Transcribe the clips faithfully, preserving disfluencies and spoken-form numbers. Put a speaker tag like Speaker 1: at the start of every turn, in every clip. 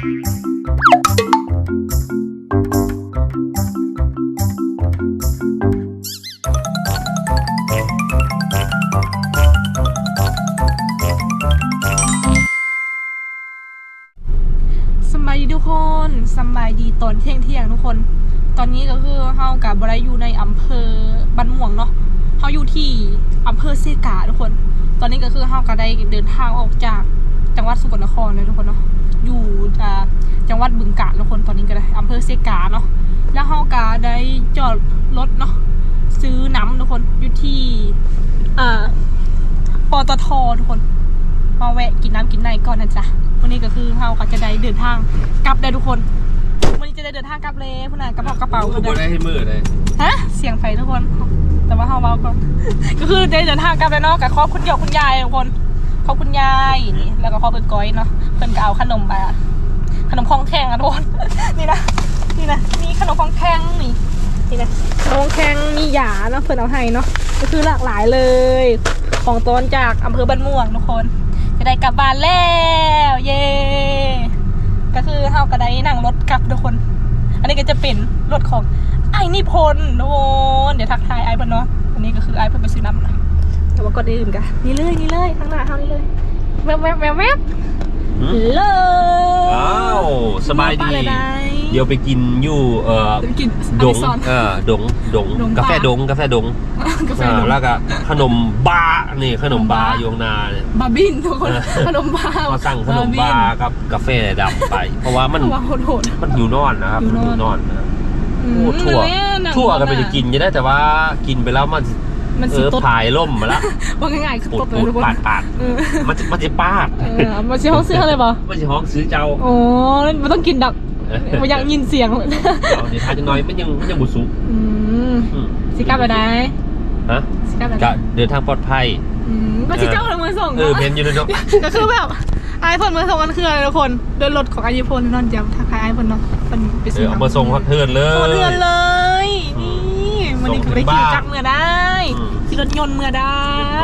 Speaker 1: สบายดีทุกคนสบายดีตอนเที่ยงเที่ยงทุกคนตอนนี้ก็คือเฮากับบรอยู่ในอำเภอบ้านม่วงเนาะเฮาอยู่ที่อำเภอเซกาทุกคนตอนนี้ก็คือเฮาก็ได้เดินทางออกจากจังหวัดสกลนครเลยทุกคนเนาะอยู่อ่าจังหวัดบึงกาฬทุกคนตอนนี้ก็ได้อำเภอเซกาเนาะแล้วเฮาก็ได้จอดรถเนาะซื้อน้ำทุกคนอยู่ที่อ่าปตททุกคนมาแวะกินน้ำกินในก่อนนะจ๊ะวันนี้ก็คือเฮาก็จะได้เดินทางกลับได้ทุกคนวันนี้จะได้เดินทางกลับเลยพวกนั้นกระเป๋ากระเป๋า
Speaker 2: ก็บ่ได้ให้มือเลย
Speaker 1: ฮะเสียงไฟทุกคนแต่ว่าเฮาเบาก็ก็คือได้เดินทางกลับไปเนาะกับครอบคุณเดี่ยวคุณยายทุกคนครอบคุณยายนี่แล้วก็ครอบเปิดก้อยเนาะเพิ่นก็เอาขนมไปอะขนมคองแข็งอะทุกคนนี่นะนี่นะมีขนมคองแข็งนี่นี่นะขนมคองแข็งมีหยาเนาะเพิ่นเอาให้เนาะก็คือหลากหลายเลยของต้นจากอำเภอบ้านม่วงทุกคนจะได้กลับบ้านแล้วเย่ก็คือเฮาก็ได้นั่งรถกลับทุกคนอันนี้ก็จะเป็นรถของไอ้นิพนธ์ทุกคนเดี๋ยวทักทายไอ้เพิ่นเนาะอันนี้ก็คือไอ้เพิ่นไปซื้อน้ำนะแต่ว่าก่อนอื่นกันนี่เลยนี่เลยข้างหน้าเฮานี่เลยแวบแวบแวบแวบเลย
Speaker 2: ว้าวสบายดีเดี๋ยวไปกินอยู่เอ่อดงเออดงดงกาแฟดงกาแฟดงแล้วก็ขนมบานี่ขนมบาอยู่ข้างหน้าเนี่ย
Speaker 1: บาบินทุกคนขนมบา
Speaker 2: ก็สั่งขนมบากับกาแฟดำไปเพราะว่ามันมันหิวนอนนะครับหิวนอนนะโอ้ทั่วทั่วก็ไปจะกินจะได้แต่ว่ากินไปแล้วมันเออผายล่มมาแล้ว
Speaker 1: ว่าง่ายๆคือตบ
Speaker 2: เลยทุกคนปาดปาดมันจะมันจะปาด
Speaker 1: มันจะห้องซื้ออะไรบ่
Speaker 2: มันจะห้องซื้อเจ้า
Speaker 1: โอ้มันต้องกินดักมันยังยินเสียงเ
Speaker 2: ดี๋ยวทานจะน้อยมันยังมันยังบุสุ
Speaker 1: สิกลับไปได้
Speaker 2: ฮะสิกลับไปได้เดินทางปลอดภัย
Speaker 1: ก็ชิเจ้าเลยมือส่ง
Speaker 2: เออเพนอยู่ในนก
Speaker 1: ก็คือแบบไอโฟนมือส่งกันคืออะไรทุกคนเดินรถของไอโฟนนอนจำทักทายไอโฟนเนาะเป็นไปซื้อ
Speaker 2: เอามาส่งเทือนเลย
Speaker 1: เทือนเลยนี่วันนี้ไปขี่จักรเมื่อได้ขี่รถยนต์เมื่อได้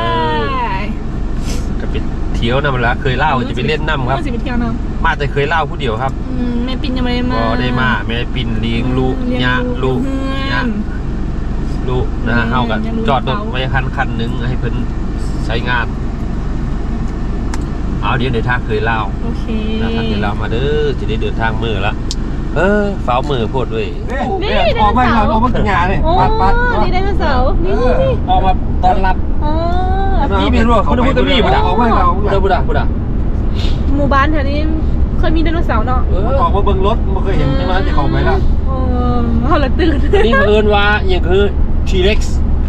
Speaker 2: จะไปเที่ยวน้ำละเคยเล่าจะไปเล่นน้ำครับ
Speaker 1: จะไปเที่ยวน้
Speaker 2: ำมาแต่เคยเล่าผู้เดียวครับ
Speaker 1: แม่ปิ่นยังไม่ได้มา
Speaker 2: ก็ได้มาแม่ปิ่นเลี้ยงลูกยะลูกยะลูกนะฮะเอากันจอดรถไว้คันคันนึงให้เพิ่นใช้งานเอาเดี๋ยวเดินทางเคยเล่า
Speaker 1: โอเค
Speaker 2: นะครับเดี๋ยวเรามาเด้อจะได้เดินทางมือละเออฝ้ามือพูดด้วย
Speaker 1: นี่ออกมา
Speaker 2: ออกมากินยาเลย
Speaker 1: ปัดปัดนี่ได้เสานี่นี่
Speaker 2: ออกมาตอนรับ
Speaker 1: อ๋อ
Speaker 2: นี่ไม่รู้เขาพูดกันนี่บุดาออกมาเราบุดาบุดาบุดา
Speaker 1: หมู่บ้านแถวนี้เคยมีไดโนเสาร์เนาะ
Speaker 2: ออกมาเบิ่งรถไม่เคยเห็นใช่ไหมจะเข้าไปแล้ว
Speaker 1: อ๋อเขาละตื่น
Speaker 2: นี่เอิญว่าอย่างคือ T-Rex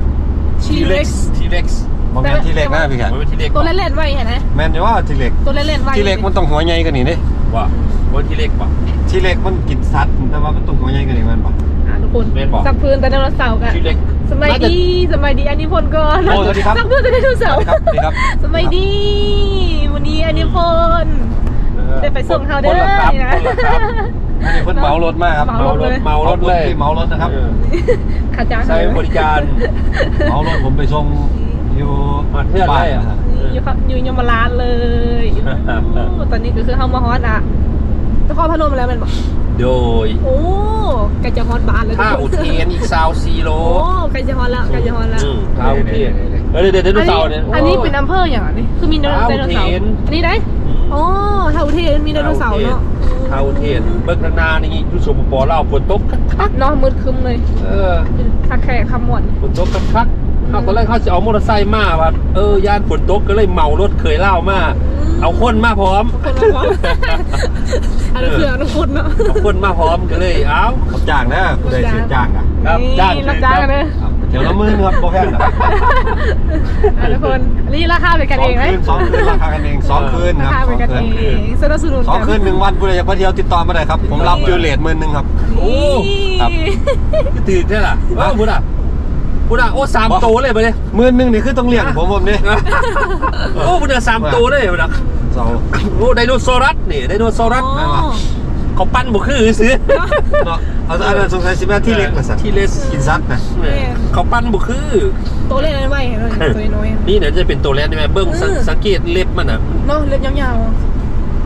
Speaker 1: T-Rex
Speaker 2: T-Rex
Speaker 3: มองทีเล็กนะพี่แขก
Speaker 1: ตัวเล่นๆไว้เห็นไหม
Speaker 3: แมนจะว่าทีเล็ก
Speaker 1: ตัวเล่นๆไว้
Speaker 3: ทีเล็กมันต้องหัวใหญ่กันนี่ดิ
Speaker 2: ว่าว่าทีเล็กป่ะ
Speaker 3: ทีเล็กมันกินสัตว์แต่ว่ามันต้องหัวใหญ่กันนี่มันป่ะ
Speaker 1: อ่าทุกคนสักพื้นแต่ไดโนเสาร์กัน
Speaker 2: ทีเล็ก
Speaker 1: สมัยดีสมัยดีอันนี้พลก่อนสักพื้นแต่ไดโนเสาร์สมัยดีวันนี้อันนี้พลได้ไปส่งเขาเด้อนะ
Speaker 3: อันนี้เพิ่นเมารถมากครับ
Speaker 2: เมารถเมารถเลย
Speaker 3: เมารถนะครับ
Speaker 1: ขาจ้าง
Speaker 2: ใช้บริการ
Speaker 3: เมารถผมไปส่งอยู่
Speaker 2: เพื่อนได้อะ
Speaker 1: อยู่อยู่ยมราชเลยตอนนี้ก็คือเข้ามาฮอตอ่ะนครพนมแล้วมันบอก
Speaker 2: โดย
Speaker 1: โอ้ใกล้จะฮอตบ้านแล้ว
Speaker 2: ท่าอุเทนอีกซาวซีโร่
Speaker 1: โอ้ใกล้จะฮอตแล้วใกล้จะฮอตแล้ว
Speaker 2: ท่าอุเทนเฮ้ยเดี๋ยวเดี๋ยวดูเสาเนี่ย
Speaker 1: อันนี้เป็นอำเภออย่างนี้คือมีไดโนเสาร์อันนี้ได้อ๋อท่าอุเทนมีไดโนเสาร์เนาะ
Speaker 2: ท่าอุเทนเบิกนานี่ยูสุปปอเล่าฝนตกคัก
Speaker 1: ๆเนาะมืดคึมเลย
Speaker 2: เออ
Speaker 1: ทักแขกคำหมด
Speaker 2: ฝนตกคักเขาตอนแรกเขาจะเอามอเตอร์ไซค์มาแบบเออย่านฝนตกก็เลยเมารถเคยเล่ามาเอาคนมาพร้อม
Speaker 1: คนมาพร้อมอันนี้คือทุกคนเนาะ
Speaker 2: เอาคนมาพร้อมก็เลยเอา
Speaker 3: ขับจ้างนะผู้ใดเสียจ้างอ่ะ
Speaker 2: ครับจ้าง
Speaker 1: รับจ้างกันเลย
Speaker 3: เดี๋ยวละมือครับโปรแกรม
Speaker 1: ทุกคนนี่ราคาเป็นกันเองไหม
Speaker 3: สองคืนราคากันเองสองคืนครับ
Speaker 1: สองคืนสนับสนุน
Speaker 3: สองคืนหนึ่งวันผู้ใดอยากไปเที่ยวติดต่อมาได้ครับผมรับจูเลียตหมื่นหนึ่งครับ
Speaker 2: โอ้ครับตื่นใช่หรอว้าวบุญอ่ะบุญอ่ะโอ้สามโตเลยไปเลย
Speaker 3: หมื่นหนึ่งนี่คือต้องเลี้ยงผมผมนี่
Speaker 2: โอ้บุญอ่ะสามโตเลยบุญอ่ะโอ้ไดโนเสาร์นี่ไดโนเสาร์เขาปั้นบุคือซื้อ
Speaker 3: เนาะเอาอันนั้นสงสัยสิแม่ที่เล็กนะสัตว์
Speaker 2: ที่เล็ก
Speaker 3: กินซัดนะ
Speaker 2: เขาปั้นบุคือ
Speaker 1: ตัวเล็กอะไรตัวน้อย
Speaker 2: นี่เนี่ยจะเป็นตัวเล็กใช่ไหมเบิ้งสังเกตเล็บมันอ่ะ
Speaker 1: เนาะเล็บยาวๆ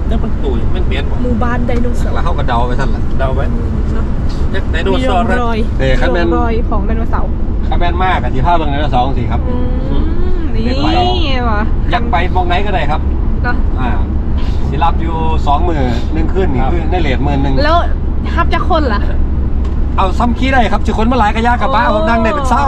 Speaker 1: เดี๋ยวมัน
Speaker 2: ตู้มันเปลี่ยนบ่
Speaker 1: หมู่บ้านไดโนเสาร์
Speaker 3: แล้วเขาก็เดาไปท่านละ
Speaker 2: เดาไว้
Speaker 1: เนาะ
Speaker 2: ไดโน
Speaker 1: มี
Speaker 2: เสา
Speaker 1: ร่อง
Speaker 2: ร์
Speaker 1: รอย
Speaker 3: เอ้ยคันแม่น
Speaker 1: ร่องรอยของไดโนเสาร์
Speaker 3: ข้าแม่นมากกับที่ภาพตรงนั้นสองสี่ครับ
Speaker 1: อืมนี่ว่ะ
Speaker 3: อยักไปมองไหนก็ได้ครับ
Speaker 1: ก็
Speaker 3: อ่าสิรับอยู่สองหมื่นหนึ่งขึ้นนี่คือในเลทหมื่นหนึ่ง
Speaker 1: แล้วฮับจะคนล่ะ
Speaker 3: เอาซ้ำขี้ได้ครับจะคนมาหลายกระยากกับบ้า
Speaker 1: โอ้
Speaker 3: ผมนั่งได้เป็นเศร้า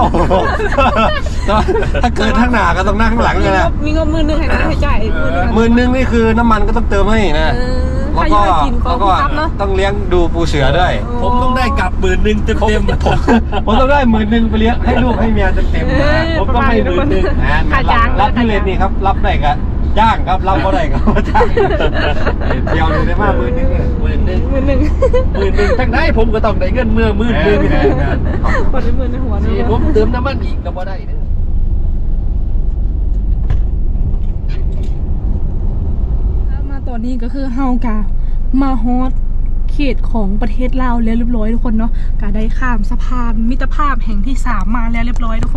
Speaker 3: ถ้าเกินข้างหน้าก็ต้องนั่งข้างหลัง
Speaker 1: มี
Speaker 3: เลย
Speaker 1: ง
Speaker 3: นะ
Speaker 1: บมีงบมือหนึงให้นะให้จ่ายมือหนึง
Speaker 3: หมื่นหนึ่งนี่คือน้ำมันก็ต้องเติมให้นะ
Speaker 1: เออ
Speaker 3: แล้ว
Speaker 1: ใคร
Speaker 3: ก็
Speaker 1: อยากกินขอ
Speaker 3: แล้ว
Speaker 1: ง
Speaker 3: ก็
Speaker 1: พี่ครับเนาะ
Speaker 3: ต้องเลี้ยงดูปูเสือด้วย
Speaker 2: ผมต้องได้กลับหมื่นหนึ่งเต็มเต็มๆผม
Speaker 3: ผมต้องได้หมื่นหนึ่งไปเลี้ยงให้ลูกให้เมียเต็มๆ
Speaker 1: เอ
Speaker 3: นะ
Speaker 1: อ
Speaker 3: ผมต้องให้หมื่นหนึ่งนะ
Speaker 1: ค่าจ้าง
Speaker 3: รับที่เลนนี่ครับ รับได้ก็จ้างครับ รับก็ได้ก็จ้างเดียวเลยได้มากหมื่นหนึ่งเนี่ย
Speaker 2: หมื่นหนึ่ง
Speaker 1: มือหนึ่ง
Speaker 2: หมื่นหนึ่งทั้งได้ผมก็ต้องได้เงินเมื่อหมื่นหนึ่ง
Speaker 3: แม่น
Speaker 1: กดด้วยมือในหัว
Speaker 2: นี่
Speaker 1: นี่
Speaker 2: ผมเติมน้ำมันอีกก็บ่ได้เด้อ
Speaker 1: มาตอนนี้ก็คือเฮากะมาฮอตเขตของประเทศลาวแล้วเรียบร้อยทุกคนเนาะกะได้ข้ามสะพานมิตรภาพแห่งที่สามมาแล้วเรียบร้อยทุกคน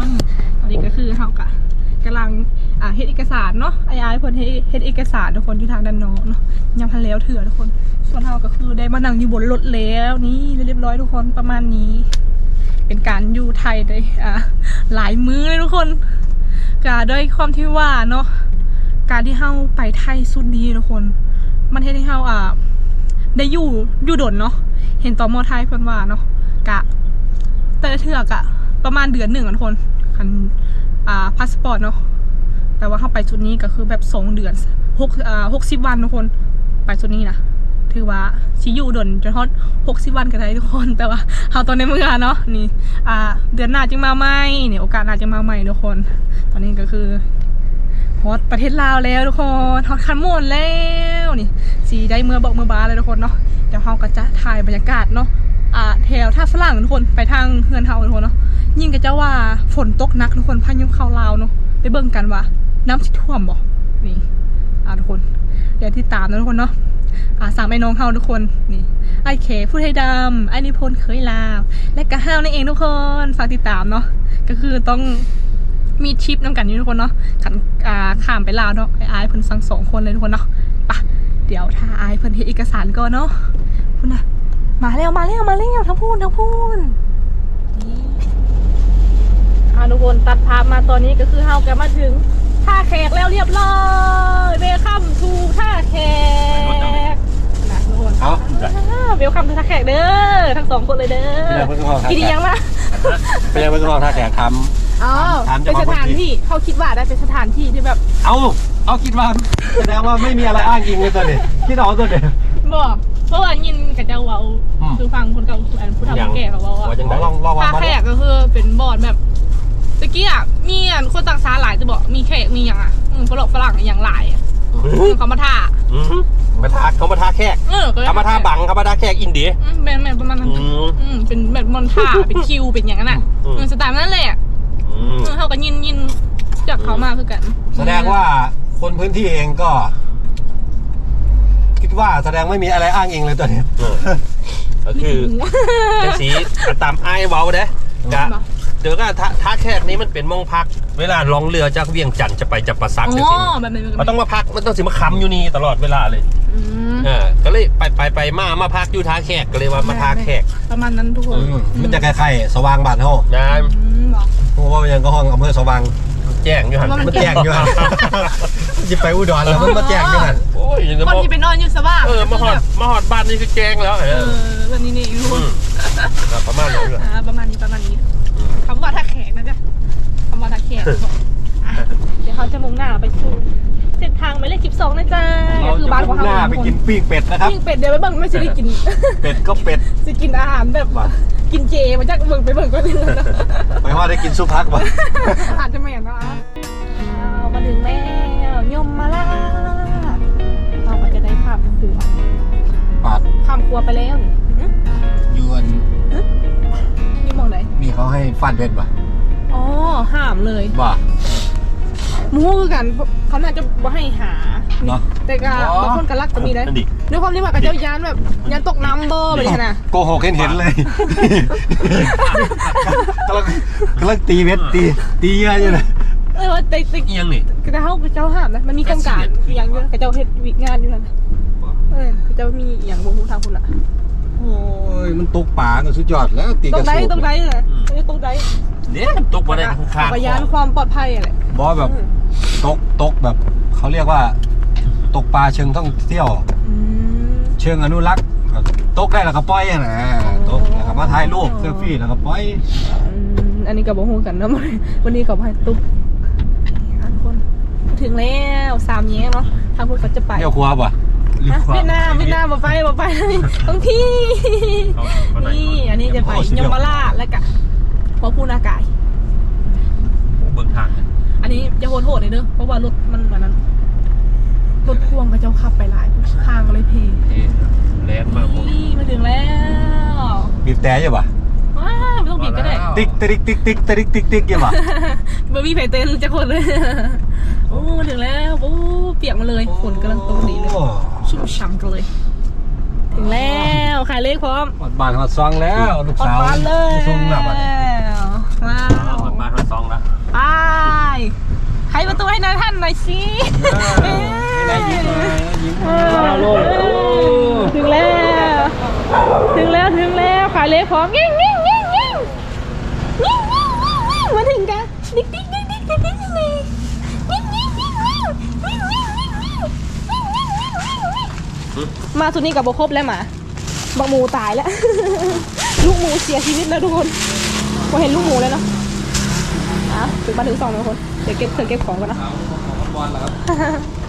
Speaker 1: ตอนนี้ก็คือเฮากะกำลังอ่าเฮ็ดเอกสารเนาะไอ้ไอ้เพิ่นเฮ็ดเฮ็ดเอกสารทุกคนที่ทางด้านนอกเนาะยังพันแล้วเถื่อทุกคน ส่วนเฮาก็คือได้มานั่งอยู่บนรถแล้วนี่เรียบร้อยทุกคนประมาณนี้ เป็นการอยู่ไทยได้อ่าหลายมื้อเลยทุกคนกะด้วยความที่ว่าเนาะการที่เฮาไปไทยสุดดีทุกคน มันเฮ็ดให้เฮาอ่าได้อยู่อยู่ดนเนาะเห็นตอมอไทยเพิ่นว่าเนาะกะ แต่ละเทือกอะประมาณเดือนหนึ่งอะทุกคนคันอ่าพาสปอร์ตเนาะแต่ว่าเข้าไปจุดนี้ก็คือแบบสองเดือนหกอ่าหกสิบวันทุกคนไปจุดนี้นะถือว่าชิอยู่ดนจนฮอตหกสิบวันกันได้ทุกคนแต่ว่าเขาตอนในเมืองเนาะนี่อ่าเดือนหน้าจึงมาใหม่เนี่ยโอกาสหน้าจะมาใหม่ทุกคน ตอนนี้ก็คือฮอตประเทศลาวแล้วทุกคนฮอตคันหมดแล้วนี่สีได้เมื่อบอกเมื่อบาเลยทุกคนเนาะเดี๋ยวเขาก็จะถ่ายบรรยากาศเนาะอ่าแถวท่าฝรั่งทุกคนไปทางเฮือนเฮาทุกคนเนาะยิ่งกับเจ้าว่าฝนตกหนักทุกคนพายุเข้าลาวเนาะไปเบิ่งกันว่าน้ำสิท่วมบ่นี่อ่าทุกคนเดี๋ยวที่ตามนะทุกคนเนาะอ่าสามไอ้น้องเฮาทุกคนนี่ไอ้เขผู้ไทยดำไอ้นิพนธ์เคยลาวและกะห้าวนั่นเองทุกคนฝากติดตามเนาะก็คือต้องมีทริปน้ำกันอยู่ทุกคนเนาะขันอ่าข้ามไปลาวเนาะไอ้ไอ้เพิ่นสั่งสองคนเลยทุกคนเนาะปะเดี๋ยวถ้าไอ้เพิ่นเฮ็ดเอกสารก่อนเนาะคุณน่ะมาแล้วมาแล้วมาแล้วทั้งพูนทั้งพูนนี่อ่าทุกคนตัดภาพมาตอนนี้ก็คือเฮากันมาถึงท่าแขกแล้วเรียบร้อยเวลคัมทูท่าแขกนะทุกคน
Speaker 3: เอา
Speaker 1: เวลคัมทูท่าแขกเด้อทั้งสองคนเลยเด้อกินยังมา
Speaker 3: ไปยังไม่ต้องรอท่าแขกท
Speaker 1: อ๋อ
Speaker 3: ถาม
Speaker 1: เป็น
Speaker 3: เจ้า
Speaker 1: ส
Speaker 3: ของ
Speaker 1: ถาน
Speaker 3: พื้นที่
Speaker 1: ที่เขาคิดว่าได้เป็นสถานที่ที่แบบ
Speaker 3: ำเอาเอาคิดว่าแสดงว่าไม่มีอะไรอ้างอิงเลยตัวนี้คิดเอาตัวเดียว
Speaker 1: บอกเพราะว่ายินกับเจ้าเว้า
Speaker 3: อืม
Speaker 1: คือฟังคนเก่าผู้ผู้เฒ่าผู้แก่เขาเว้า
Speaker 2: ว่า
Speaker 1: ว่า
Speaker 2: จังได๋
Speaker 3: ลองลองวาง
Speaker 1: ท่า
Speaker 3: มา
Speaker 1: แข
Speaker 3: ดู
Speaker 1: กก็คือเป็นบอร์ดแบบตะกี้อ่ะมีอ่ะคนต่างชาติหลายจะบอกมีแขกมีอย่างอ่ะอืมฝรั่งฝรั่งอย่างหลายอ่ะอืมเขามาท่า
Speaker 2: อืมมาทาเขามาทาแขก
Speaker 1: เออก็เลย
Speaker 2: เขามาทาบังเขามาทาแขกอินเดีย
Speaker 1: อืมเป็นแบบประมาณนั้น
Speaker 2: อืม
Speaker 1: อืมเป็นแบบมอนท่าเป็นคิวเป็นอย่างนั้นอ่ะ
Speaker 2: อืม
Speaker 1: อืมสไตล์นั้นแหละ
Speaker 2: อืม
Speaker 1: เออเขาก็ยินยินจากเขามาคือกัน
Speaker 3: แสดงว่าคนพื้นที่เองก็ คิดว่าแสดงไม่มีอะไรอ้างอิงเลยตัวนี้
Speaker 2: เออก็คือจังสีตามไอ้ายเว้าเด้กะเดี๋ยวก็ท่าท่าแขกนี้มันเป็นมองพัก เวลาลองเรือจากเวียงจันทร์จะไปจับปะซัก
Speaker 1: อ๋
Speaker 2: จัง
Speaker 1: อ
Speaker 2: ซี่
Speaker 1: แบบนี้
Speaker 2: มันต้องมาพักมันต้องสิมาค้ำอยู่นี่ตลอดเวลาเลย
Speaker 1: อืม
Speaker 2: เออก็เลยไปไปไปมามาพักอยู่ท่าแขกก็เลยว่ามาท่าแขก
Speaker 1: ประมาณนั้นทุกคน
Speaker 3: มันจะคล้ายๆสว่างบานเฮา
Speaker 2: นะ
Speaker 1: อืมบอก
Speaker 3: เพราะว่ามันยังก็ห้องอำเภอสว่าง
Speaker 2: แจ้งอยู่หัน
Speaker 3: มันแจ้งอยู่หันจิไปอุดรแล้วมันมาแจ้งอยู่หัน
Speaker 2: โอ้ย
Speaker 1: คนที่ไปนอนอยู่สว่าง
Speaker 2: เออมาหอดมาหอดบ้านนี่คือแจ้งแล้วเอ
Speaker 1: เอ
Speaker 2: อ
Speaker 1: อแบบนี้นี่ทุกค
Speaker 2: อื
Speaker 1: น
Speaker 2: มก็ประมาณนั้นเลย
Speaker 1: อ่าประมาณนี้ประมาณนี้คำว่าท่าแขกนะจ๊ะคำว่าท่าแขกบอกอ่ะเดี๋ยวเขาจะมุ่งหน้าไปสู่เส้นทางหมายเลขสิบสองนะจ๊ะ
Speaker 3: เรา
Speaker 1: ก็คือ
Speaker 3: จะ
Speaker 1: บ้านของ
Speaker 3: มุ่งห
Speaker 1: เขา
Speaker 3: น้าไปกินปิ้งเป็ดนะครับ
Speaker 1: ยิ่งเป็ดเดี๋ยวไปเบิ่งไม่ใช่ได้กิน
Speaker 3: เป็ดก็เป็ด
Speaker 1: จะกินอาหารแบบกินเจมาจากเบิ่งไปเบิ่งก็ได้เลยนะ
Speaker 3: ไม่ว่าได้กินซุปพักป่ะ
Speaker 1: อาจจะไม่อย่างนั้นอ่ะเอามาถึงแล้วยมมาละเราก็จะได้ข้ามครัว
Speaker 3: ปาด
Speaker 1: ข้ามครัวไปแล้วนี่หึ
Speaker 3: ยวน
Speaker 1: นี่มองไหน
Speaker 3: มีเขาให้ฟาดเบ็ดป่ะ
Speaker 1: อ๋อห้ามเลย
Speaker 3: บ่า
Speaker 1: มูคือกันเขาน่าจะบ่ให้หา
Speaker 3: เนาะ
Speaker 1: แต่ก็
Speaker 3: อ๋อ
Speaker 1: บางคนก็รักก็มีได้
Speaker 2: นั่นดิ
Speaker 1: ด้วยความที่ว่ากับเจ้ายานแบบยานตกน้ำเบอร์แบบนี้นะ
Speaker 3: โกหกเห็นเห็นเลยกำลังกำลังตีเบ็ดตีตีเยอะอยู่เลย
Speaker 1: เออว่าแต่แต่
Speaker 2: เอียงนี่
Speaker 1: แต่เขากับเจ้าห้ามนะมันมีโครงการอย่างอยู่กับเจ้าเฮ็ดวิกงานอยู่นั่นนะออจะมีอย่างวงทางคุณอะ
Speaker 3: โอ้ยมันตกป่าก็สุดยอดแล้วตี
Speaker 1: ต
Speaker 3: ก
Speaker 1: ร
Speaker 3: ระ
Speaker 1: งไหน
Speaker 3: สูบ
Speaker 1: ตรงไหนเลยไม่ใช่ตรงไหน
Speaker 2: เนี่ยมันตกมาได้ข้าง
Speaker 1: จักรยานความปลอดภัยอะไร
Speaker 3: บอแบบตกตกแบบเขาเรียกว่า ตกปลาเชิงท่องเที่ยว
Speaker 1: อืม
Speaker 3: เชิงอนุรักษ์แบบตกได้แล้วก็ปล่อยอะนะตกแล้วก็มาถ่ายรูปเซลฟี่แล้วก็ปล่อย
Speaker 1: อืมอันนี้กับโบฮูกันนะวันนี้กับให้ตุ๊กทุกคนถึงแล้วสามแยกเนาะทางพวกเขาจะไป
Speaker 3: เที่ยวครัวป่ะ
Speaker 1: ฮะเวียดนามเวียดนามมาไปมาไปต้องพี่นี่อันนี้จะไปยมราชแล้วก็พอพูนากาย
Speaker 2: เบื้องทาง
Speaker 1: อันนี้จะโหดโหดเลยเด้อเพราะว่ารถมันแบบนั้นรถพ่วงก็เจ้าขับไปหลายทางเลยเพ
Speaker 2: แลนมาผม
Speaker 1: นี่มาถึงแล้ว
Speaker 3: บีบแต่อยู่ป่ะ
Speaker 1: ว้าวไม่ต้องบีบก็ได้
Speaker 3: ติ๊กติ๊กติ๊กติ๊กติ๊กติ๊กติ๊กอยู่ป่ะ
Speaker 1: บะหมี่ไผ่เต้นจะคนเลยโอ้มาถึงแล้วโอ้เปียกมาเลยฝนกำลังตกดีเลยชุ่มฉ่ำกันเลย ถึงแล้วขายเลขพร้อม
Speaker 3: หอดบ้านหอดซองแล้วลูกสาว
Speaker 1: ออกบ้านเลย
Speaker 3: ส่งหลับอ่ะ
Speaker 1: ว้า
Speaker 2: เอา
Speaker 1: ว
Speaker 2: มาทางซองแล้ว
Speaker 1: ไปใครประตูให้นายท่านหน่อยสิ
Speaker 3: ได้ยิ้มเลยยิ้ม
Speaker 1: เออถึงแล้ว ถึงแล้วถึงแล้วขายเลขพร้อมยิ่งยิ่งยิ่งยิ่งยิ่งยิ่งยิ่งยิ่งมาถึงกันดิ๊กดิ๊กดิ๊กดิ๊กดิ๊กดิ๊กดิ๊กยิ่งยิ่งยิ่งยิ่งยิ่งยิ่งยิ่งยิ่งยิ่งมาสุดนี้กับโบครบแล้วหมาบักหมูตายแล้ว ลูกหมูเสียชีวิตแล้วทุกคนพอเห็นลูกหมูแล้วเนาะอ่ะถึงมาถึงสองแล้วคนเดี๋ยวเก็บเธอเก็บของกันนะ
Speaker 3: บอลเหรอครับ